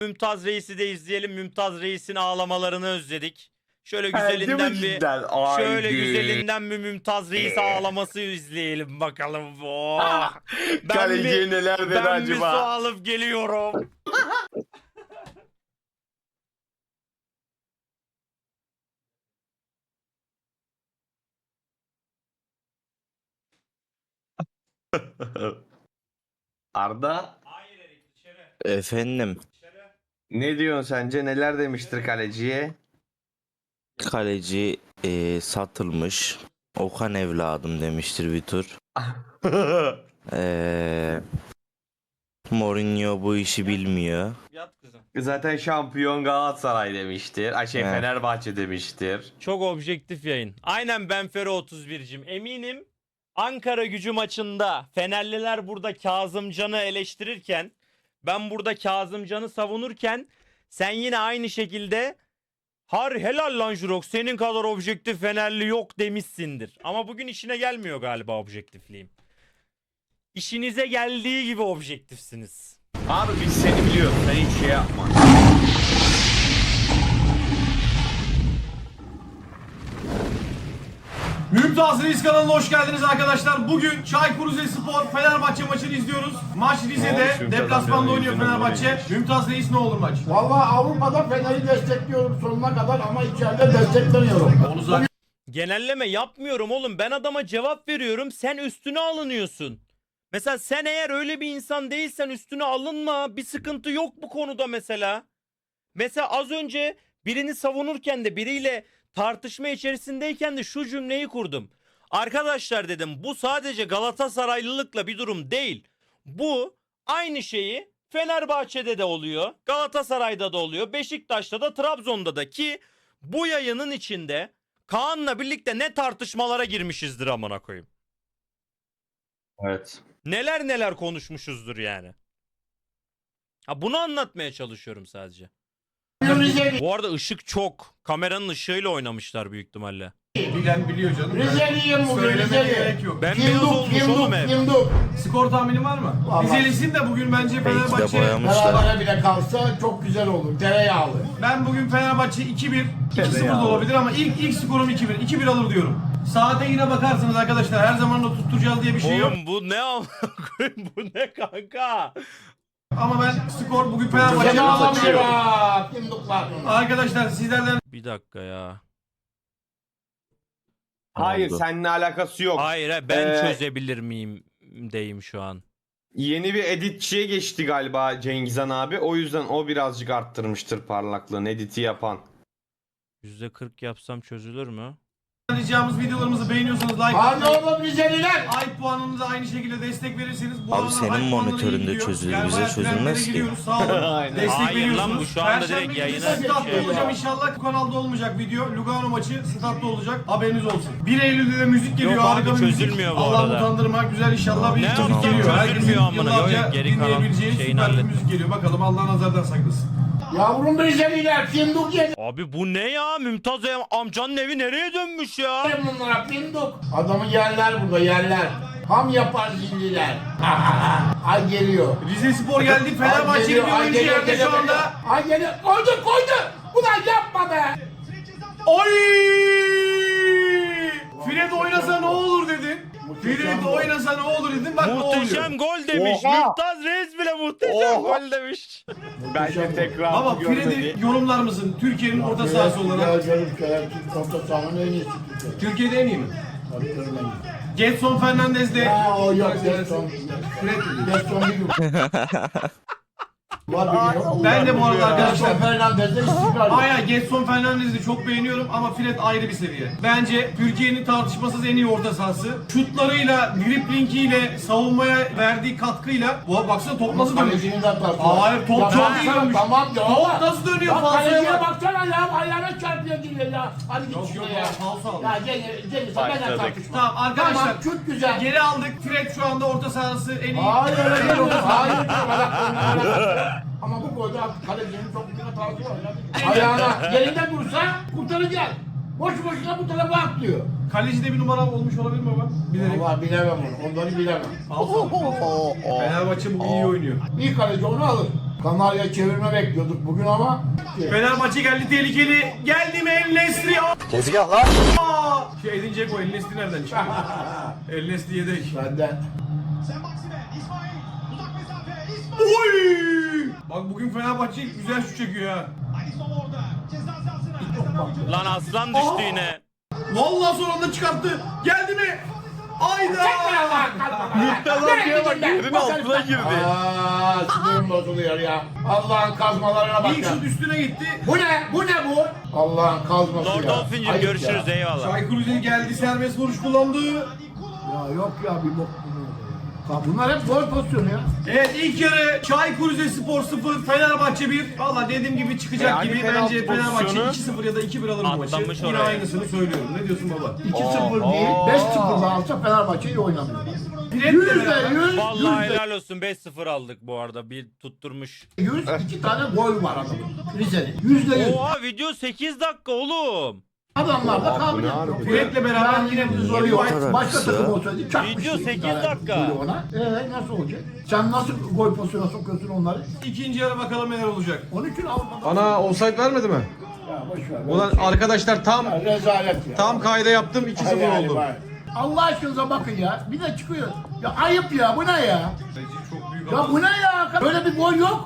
Mümtaz Reis'i de izleyelim. Mümtaz Reis'in ağlamalarını özledik. Şöyle Değil mi güzelinden bir cidden? Haydi. şöyle güzelinden bir Mümtaz Reis ağlaması izleyelim bakalım. Oh. Kaleciye neler dedi ben bir su acaba? alıp geliyorum. Arda Hayır Erik dışarı. Efendim, Dışarı. ne diyorsun sence? Neler demiştir kaleciye? kaleci satılmış. Okan evladım demiştir bir tur. Mourinho bu işi bilmiyor. Yat kızım. Zaten şampiyon Galatasaray demiştir. Evet. Fenerbahçe demiştir. Çok objektif yayın. Aynen Benfero 31'cim. Eminim Ankara Gücü maçında Fenerliler burada Kazımcan'ı eleştirirken, ben burada Kazımcan'ı savunurken sen yine aynı şekilde helal lan Jurok, senin kadar objektif Fenerli yok demişsindir. Ama bugün işine gelmiyor galiba objektifliğim. İşinize geldiği gibi objektifsiniz. Abi biz seni biliyoruz. Sen hiç şey yapma. Mümtaz Reis kanalına hoş geldiniz arkadaşlar. Bugün Çaykur Rizespor Fenerbahçe maçını izliyoruz. Maç Ne olmuş Rize'de, Mümtaz deplasmanda amcanın oynuyor yüzüne Fenerbahçe. böyle? Mümtaz Reis ne olur maç? Vallahi Avrupa'da Fener'i destekliyorum sonuna kadar ama içeride desteklemiyorum. Onu zaten Genelleme yapmıyorum oğlum. Ben adama cevap veriyorum. Sen üstüne alınıyorsun. Mesela sen eğer öyle bir insan değilsen üstüne alınma. Bir sıkıntı yok bu konuda mesela. Mesela az önce birini savunurken de biriyle tartışma içerisindeyken de şu cümleyi kurdum. Arkadaşlar dedim, bu sadece Galatasaraylılıkla bir durum değil. Bu aynı şeyi Fenerbahçe'de de oluyor. Galatasaray'da da oluyor. Beşiktaş'ta da, Trabzon'da da, ki bu yayının içinde Kaan'la birlikte ne tartışmalara girmişizdir amına koyayım. Evet. Neler neler konuşmuşuzdur yani. Ha, bunu anlatmaya çalışıyorum sadece. Bu arada ışık çok. Kameranın ışığıyla oynamışlar büyük ihtimalle. bilen biliyor canım. Rizeliyim bugün Söylemeye Rizeli. gerek yok. Ben beyaz olmuş oğlum hep. Fimduk. Skor tahmini var mı? Vallahi. Rizelisin de bugün bence Belki de Fenerbahçe... boyamışlar. Berabere bile kalsa çok güzel olur. Tereyağlı. Ben bugün Fenerbahçe 2-1, 2-0 da olabilir ama ilk skorum 2-1. 2-1 alır diyorum. Saate yine bakarsınız arkadaşlar. Her zaman da tutturacağız diye bir şey yok. Oğlum bu ne amına koyayım, bu ne kanka? Ama ben skor bugün Fenerbahçe'nin Seni alamıyor açıyor. ha. Fimduklar. Arkadaşlar sizlerden Bir dakika ya. Hayır Oldu. seninle alakası yok. Hayır ben Ee, çözebilir miyim deyim şu an. Yeni bir editçiye geçti galiba Cengizhan abi. O yüzden o birazcık arttırmıştır parlaklığını editi yapan. %40 yapsam çözülür mü? ricamız videolarımızı beğeniyorsanız like Hadi atmayı, oğlum Rizeliler. ay puanınıza aynı şekilde destek verirseniz bu Abi aralar senin ay puanları monitöründe iyi gidiyor. çözülür, Yani bize bayağı trendlere çözülmez ki. giriyoruz. Sağ olun. Aynen. Destek Hayır lan, veriyorsunuz. bu şu anda direkt Perşembe yayına günü statta şey olacağım ya. inşallah. Bu kanalda olmayacak video. Lugano maçı statta olacak. Haberiniz olsun. 1 Eylül'de de müzik geliyor. Yok abi, Harika bir müzik. çözülmüyor bu Allah arada. utandırmak güzel inşallah bir Ne müzik yapacağım, geliyor. çözülmüyor Herkesin amına. Yok, yıllarca geri kalan dinleyebileceği şeyini süper bir hallettim. müzik geliyor. Bakalım Allah nazardan saklasın. Yavrum Rizeliler. Fimduk yedim Abi bu ne ya? Mümtaz amcanın evi nereye dönmüş ya? bunlara Fimduk. Adamı yerler burada yerler. Ham yapar zilliler. Ay geliyor. Rizespor geldi. Fenerbahçe'nin bir oyuncu yerde şu anda. Ay geliyor. Koydu. Ulan yapma be. Oy! Fred oynasa ne olur dedin. Fred oynasa ne olur dedin. Bak ne Muhteşem oluyor. gol demiş. Oha! Mümtaz Reis bile muhteşem Oha! gol demiş. Bence tekrar Baba Fred'i yorumlar mısın? Türkiye'nin orta sahası olarak. Orta sahanın en iyisi Türkiye. Türkiye'de en iyi mi? Tabii canım en iyisi. Getson Fernandez de. Ya o yok Gerson. Fred dedi. Gerson bir gün. Var bir gün. Ben de bu arada arkadaşlar. Gerson Fernandez'de istikrar. Hayır, Getson Fernandez'i çok beğeniyorum ama Fred ayrı bir seviye. Bence Türkiye'nin tartışmasız en iyi orta sahası. Şutlarıyla, driblingiyle, savunmaya verdiği katkıyla. Bu baksana top nasıl dönüyor? Kalecinin de hatası var. Hayır, top Ya çok baksana, iyi dönmüş. Tamam ya. Top nasıl dönüyor? Ya Falsoya kaleciye bak. baksana ya. Ayağına çarpıyor gibi ya. Hadi git Yok, şuraya yok, ya. falso aldı. Ya Cengiz sen benden tartışma. Tamam arkadaşlar. Tamam çok güzel. Geri aldık. Fred şu anda orta sahası en iyi. Hayır öyle değil oğlum. Hayır. Ama bu golde kalecinin çok büyük hatası var. Ya. Ayağına yerinden dursa kurtaracak. Boş boşuna bu tarafa atlıyor. Kalecide bir numara olmuş olabilir mi baba? Bilerek. Vallahi bilemem onu. Onları bilemem. Falso. Fenerbahçe bugün iyi oynuyor. İyi kaleci onu alır. Kanarya çevirme bekliyorduk bugün ama. Fenerbahçe geldi tehlikeli. Geldi mi El Nesri? Tezgah lan. Şey Edin Dzeko El Nesri nereden çıktı? El Nesri yedek. Benden. Oy! Bak bugün Fenerbahçe güzel şut çekiyor ha. Lan aslan düştü Aa! yine. Vallahi son anda çıkarttı. Geldi mi? Ayda! Müptelaka'ya bak yerin altına girdi. Aaa sinirim bozuluyor ya. Allah'ın kazmalarına bak İlk ya. şut üstüne gitti. Bu ne? Bu ne bu? Allah'ın kazması Lord ya. Dolphin'cim Ayıp görüşürüz ya. eyvallah. Çaykur Rize geldi serbest vuruş kullandı. Ya yok ya bir bok bunu. Ya bunlar hep gol pozisyonu ya. Evet ilk yarı Çaykur Rizespor 0 Fenerbahçe 1. Valla dediğim gibi çıkacak Yani gibi. penaltı Bence Fenerbahçe pozisyonu. 2-0 ya da 2-1 alır bu maçı. Atlamış Yine oraya. aynısını söylüyorum. Ne diyorsun baba? 2-0 değil, 5-0 da alsa Fenerbahçe iyi oynamıyor. Fred de beraber. %100, Vallahi helal olsun 5-0 aldık bu arada. Bir tutturmuş. 2 tane gol var adamın. Rize'nin. %100. Oha video 8 dakika oğlum. Adamlar da Aa, bu kabiliyet ne yok. harbi? Fred'le beraber Yani yine biz bu oraya kadar başka kısa. takım olsaydı çakmıştı. Video 2 8 tane dakika. golü ona. Nasıl olacak? Sen nasıl gol pozisyona sokuyorsun onları? İkinci yarı bakalım neler olacak. Onun için Avrupa'da... Ana offside vermedi mi? Ya boş ver. Ulan arkadaşlar tam Ya rezalet ya. tam kayda yaptım 2-0 Hayır, oldu. hayır. Allah aşkınıza bakın ya. Bir de çıkıyor. Ya ayıp ya. Bu ne ya? Bence çok büyük Ya hata. bu ne ya? Böyle bir gol yok.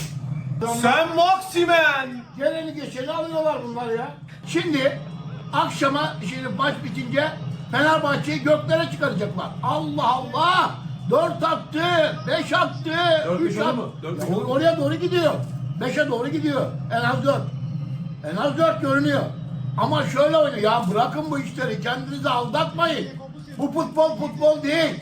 Sen Maximen! Geleni geçeni alıyorlar bunlar ya. Şimdi akşama şimdi maç bitince Fenerbahçe'yi göklere çıkaracaklar. Allah Allah! 4 attı, 5 attı, 4 3 oldu attı. mu? 4 Ya oldu. oraya doğru gidiyor. 5'e doğru gidiyor. En az 4. En az 4 görünüyor. Ama şöyle oynuyor. Ya bırakın bu işleri. Kendinizi aldatmayın. Bu futbol değil.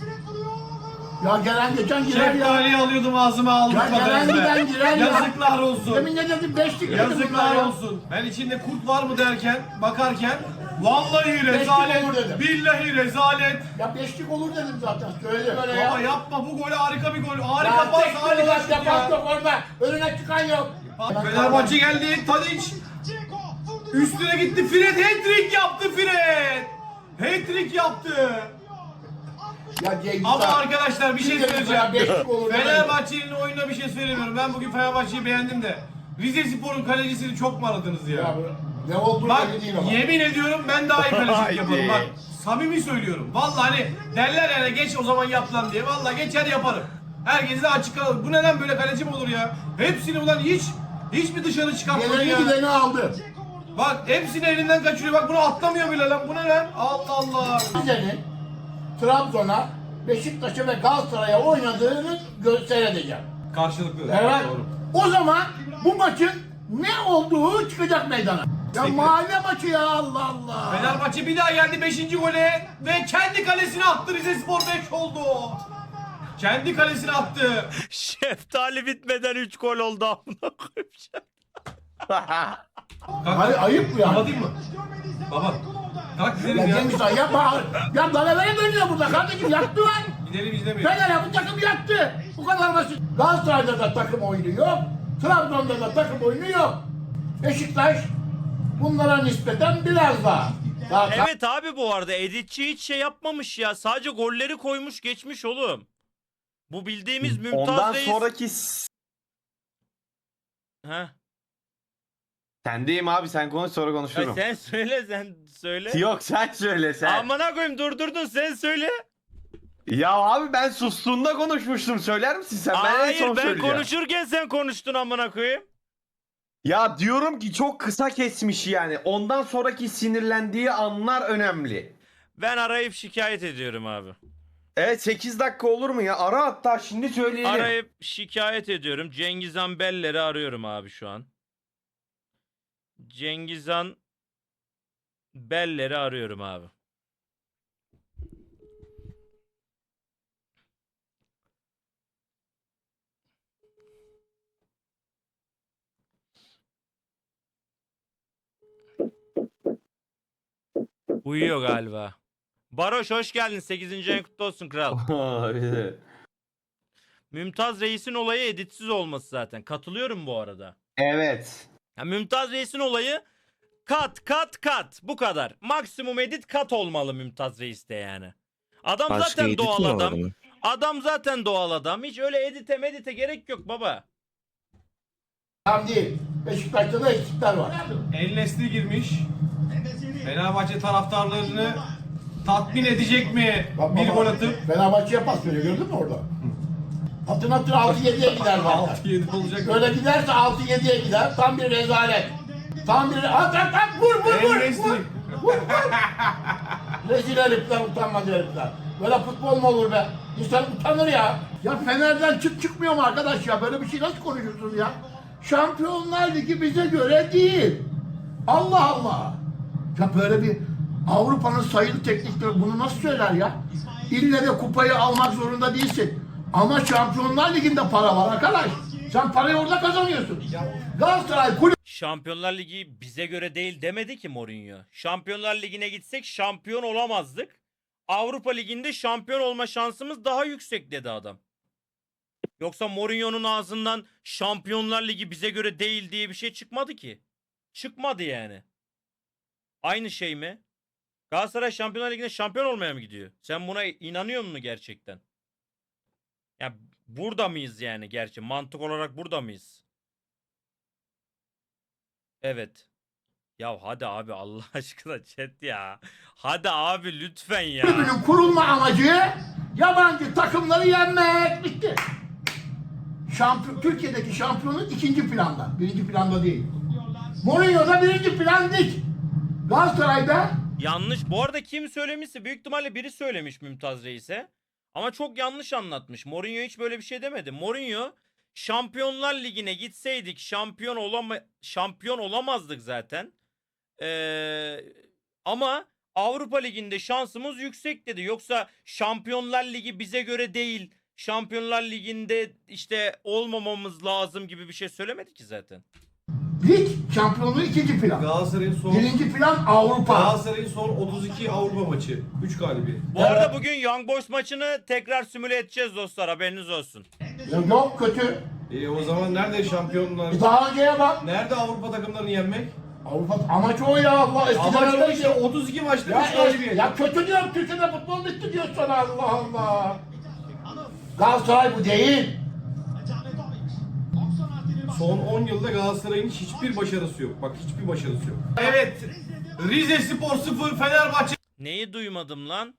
Ya gelen geçen girer ya. Şeftaliyi alıyordum ağzıma aldım. Ya gelen giden girer ya. Yazıklar olsun. Demin ne dedim? 5'lik dedim Yazıklar bunlar ya. olsun. Ben içinde kurt var mı derken, bakarken vallahi rezalet, olur dedim. billahi rezalet. Ya 5'lik olur dedim zaten. Söyle böyle Baba ya. yapma bu golü harika bir gol. Harika Ya pas, tek harika olarak şut defans ya. yok orada. Önüne çıkan yok. Fenerbahçe geldi, Tadic. Üstüne gitti Fred, hat-trick yaptı Fred. Hat-trick yaptı. Ya Cengiz Ama Han, arkadaşlar bir şey kim demiş söyleyeceğim. ya, beşlik olur demedim. Fenerbahçe'nin oyununa bir şey söylemiyorum. Ben bugün Fenerbahçe'yi beğendim de. Rizespor'un kalecisini çok mu aradınız ya? Ya bu ne olduğu Bak belli değil ama. yemin ediyorum ben daha iyi kalecilik Haydi. yaparım bak. Samimi söylüyorum. Vallahi hani derler yani geç o zaman yap lan diye. Vallahi geçer yaparım. Herkes de açık kalır. Bu neden böyle kaleci mi olur ya? Hepsini ulan hiç mi dışarı çıkartmadı Geleni ya? gideni aldı. Bak hepsini elinden kaçırıyor. Bak bunu atlamıyor bile lan. Bu ne lan? Allah Allah. Rize'nin Trabzon'a, Beşiktaş'a ve Galatasaray'a oynadığını seyredeceğim. Karşılıklı. Evet. Doğru. O zaman bu maçın ne olduğu çıkacak meydana. Ya mahalle maçı ya Allah Allah. Fenerbahçe bir daha geldi 5. gole ve kendi kalesine attı. Rizespor 5 oldu. Kendi kalesine attı. Şeftali bitmeden 3 gol oldu amına koyayım. Hayır ayıp ya. Kapatayım mı? Baba. Kalk gidelim Ya ya. Cengiz Han yapma. Ya dalavere dönüyor burada kardeşim yaktı lan. Gidelim izlemiyor. Fener'e bu takım yaktı. Bu kadar basit. Galatasaray'da da takım oyunu yok. Trabzon'da da takım oyunu yok. Beşiktaş bunlara nispeten biraz daha. Evet abi bu arada editçi hiç şey yapmamış ya. Sadece golleri koymuş geçmiş oğlum. Bu bildiğimiz Mümtaz Ondan Reis. sonraki Heh. sendeyim abi sen konuş sonra Ya konuşurum. sen söyle. Yok sen söyle sen. Amına koyayım durdurdun sen söyle. Ya abi ben sustuğunda konuşmuştum söyler misin sen? Ben en Hayır son ben söyleyeceğim. konuşurken sen konuştun amına koyayım. Ya diyorum ki çok kısa kesmiş yani. Ondan sonraki sinirlendiği anlar önemli. Ben arayıp şikayet ediyorum abi. Evet 8 dakika olur mu ya? Ara hatta şimdi söyleyelim. Arayıp şikayet ediyorum. Cengizhan Beller'i arıyorum abi şu an. Cengizhan Beller'i arıyorum abi. Uyuyor galiba. Baroş hoş geldin. 8. ayın kutlu olsun kral. Mümtaz Reis'in olayı editsiz olması zaten. Katılıyorum bu arada. Evet. Ya Mümtaz Reis'in olayı kat. Bu kadar. Maksimum edit kat olmalı Mümtaz Reis'te yani. Adam Başka zaten edit doğal mi var adam. mı? Adam zaten doğal adam. Hiç öyle edite medite gerek yok baba. Tam değil. Beşiktaş'ta da eksikler var. El Nesli girmiş. Fenerbahçe taraftarlarını tatmin edecek mi Bak, bir bak, gol atıp? Fenerbahçe'ye pas veriyor, gördün mü orada? Atın 6-7'ye gider zaten. 6-7 olacak. Böyle giderse 6-7'ye gider. Tam bir rezalet. Tam bir at vur. El Nesli. Vur. Rezil herifler, utanmaz herifler. Böyle futbol mu olur be? İnsan utanır ya. Ya Fener'den çıkmıyor mu arkadaş ya? Böyle bir şey nasıl konuşuyorsun ya? Şampiyonlar Ligi bize göre değil. Allah Allah. Ya böyle bir Avrupa'nın sayılı teknikleri bunu nasıl söyler ya? İlle de kupayı almak zorunda değilsin. Ama Şampiyonlar Ligi'nde para var arkadaş. Sen parayı orada kazanıyorsun. Galatasaray kulüp Şampiyonlar Ligi bize göre değil demedi ki Mourinho. Şampiyonlar Ligi'ne gitsek şampiyon olamazdık. Avrupa Ligi'nde şampiyon olma şansımız daha yüksek dedi adam. Yoksa Mourinho'nun ağzından Şampiyonlar Ligi bize göre değil diye bir şey çıkmadı ki. Çıkmadı yani. Aynı şey mi? Galatasaray Şampiyonlar Ligi'nde şampiyon olmaya mı gidiyor? Sen buna inanıyor musun gerçekten? Ya burada mıyız yani gerçi? Mantık olarak burada mıyız? Evet. Ya hadi abi Allah aşkına chat ya. Hadi abi lütfen ya. kulübünün kurulma amacı yabancı takımları yenmek. Bitti. Türkiye'deki şampiyonluk ikinci planda. Birinci planda değil. Mourinho'da birinci plan lig. Galatasaray'da Yanlış. Bu arada kim söylemişse büyük ihtimalle biri söylemiş Mümtaz Reis'e. Ama çok yanlış anlatmış. Mourinho hiç böyle bir şey demedi. Mourinho Şampiyonlar Ligi'ne gitseydik şampiyon olamazdık zaten. Ama Avrupa Ligi'nde şansımız yüksek dedi. Yoksa Şampiyonlar Ligi bize göre değil. Şampiyonlar Ligi'nde işte olmamamız lazım gibi bir şey söylemedi ki zaten. lig şampiyonluğu ikinci plan. Galatasaray'ın son Birinci plan Avrupa. Galatasaray'ın son 32 Avrupa maçı. 3 galibiyet. Bu arada bugün Young Boys maçını tekrar simüle edeceğiz dostlar, haberiniz olsun. Yok kötü. O zaman nerede şampiyonlar? Daha önceye bak. Nerede Avrupa takımlarını yenmek? Avrupa amaç o ya Allah. Eskiden Ama öyle işte 32 maçta 3 Ya, galibiyet. ya kötü diyorum, Türkiye'de futbol bitti diyor sana, Allah Allah. Galatasaray bu değil. Son 10 yılda Galatasaray'ın hiçbir başarısı yok. Bak hiçbir başarısı yok. Evet. Rize Spor 0, Fenerbahçe Neyi duymadım lan?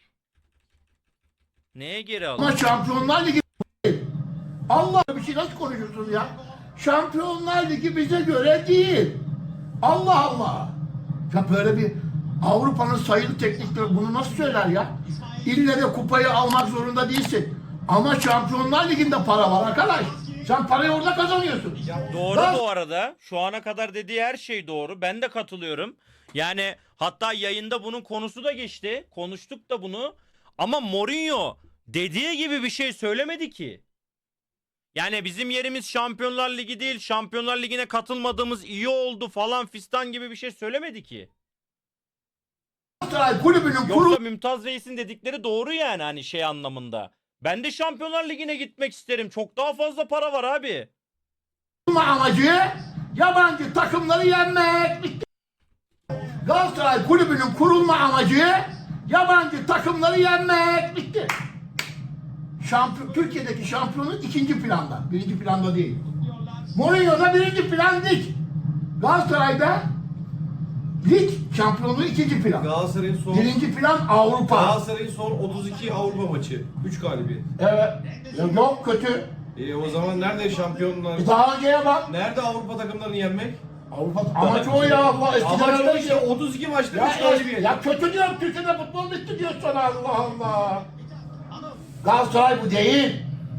Neye geri Ama aldın? Şampiyonlar Ligi Allah, bir şey nasıl konuşuyorsun ya? Şampiyonlar Ligi bize göre değil. Allah Allah. Ya böyle bir Avrupa'nın sayılı teknikleri bunu nasıl söyler ya? İlle de kupayı almak zorunda değilsin. Ama Şampiyonlar Ligi'nde para var arkadaş. Sen parayı orada kazanıyorsun. Doğru Gal- bu arada. Şu ana kadar dediği her şey doğru. Ben de katılıyorum. Yani hatta yayında bunun konusu da geçti. Konuştuk da bunu. Ama Mourinho dediği gibi bir şey söylemedi ki. Yani bizim yerimiz Şampiyonlar Ligi değil. Şampiyonlar Ligi'ne katılmadığımız iyi oldu falan fistan gibi bir şey söylemedi ki. Galatasaray kulübünün Yoksa Mümtaz Reis'in dedikleri doğru yani hani şey anlamında. Ben de Şampiyonlar Ligi'ne gitmek isterim. Çok daha fazla para var abi. kurulma amacı yabancı takımları yenmek. Bitti. Galatasaray kulübünün kurulma amacı yabancı takımları yenmek. Bitti. Türkiye'deki şampiyonluk ikinci planda. Birinci planda değil. Mourinho'da birinci plan lig. Galatasaray'da lig şampiyonluğu ikinci plan. Galatasaray'ın son Birinci plan Avrupa. Galatasaray'ın son 32 Avrupa maçı. 3 galibiyet. Evet. Yok kötü. O zaman nerede şampiyonlar? Daha önceye bak. Nerede Avrupa takımlarını yenmek? Avrupa amaç o ya Allah. Eskiden Ama öyle işte 32 maçta 3 Ya, galibiyet. ya kötü diyorum, Türkiye'de futbol bitti diyor sana, Allah Allah. Galatasaray bu değil.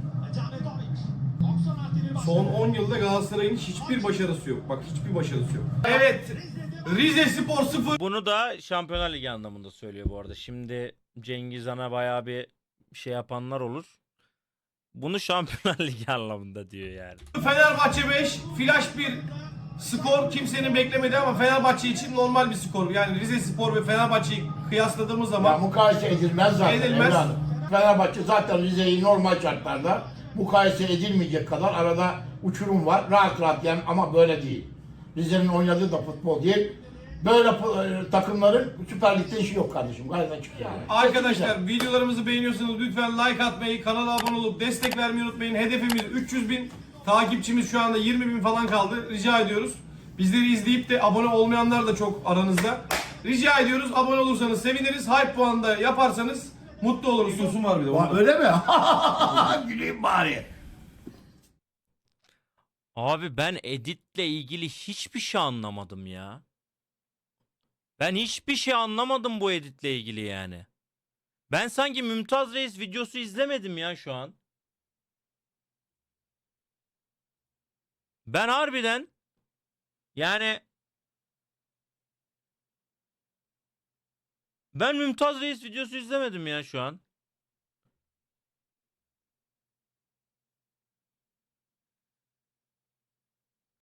Son 10 yılda Galatasaray'ın hiçbir başarısı yok. Bak hiçbir başarısı yok. Evet. Rize Spor 0. Bunu da Şampiyonlar Ligi anlamında söylüyor bu arada. Şimdi Cengiz Han'a bayağı bir şey yapanlar olur. Bunu Şampiyonlar Ligi anlamında diyor yani. Fenerbahçe 5. Flash 1. Skor kimsenin beklemediği ama Fenerbahçe için normal bir skor. Yani Rize Spor ve Fenerbahçe'yi kıyasladığımız Ya zaman mukayese edilmez zaten. Edilmez. Evladım. Fenerbahçe zaten Rize'yi normal şartlarda mukayese edilmeyecek kadar arada uçurum var. Rahat rahat yani, ama böyle değil. Rize'nin oynadığı da futbol değil. Böyle takımların Süper Lig'de işi yok kardeşim. Gayet açık yani. arkadaşlar videolarımızı beğeniyorsanız lütfen like atmayı, kanala abone olup destek vermeyi unutmayın. Hedefimiz 300.000. Takipçimiz şu anda 20.000 falan kaldı. Rica ediyoruz. Bizleri izleyip de abone olmayanlar da çok aranızda. Rica ediyoruz. Abone olursanız seviniriz. Hype puanı da yaparsanız mutlu oluruz. Sosun var bir de. Öyle mi? Güleyim bari. Abi ben editle ilgili hiçbir şey anlamadım ya. Ben hiçbir şey anlamadım bu editle ilgili yani. Ben sanki Mümtaz Reis videosu izlemedim ya şu an. Ben harbiden yani ben Mümtaz Reis videosu izlemedim ya şu an.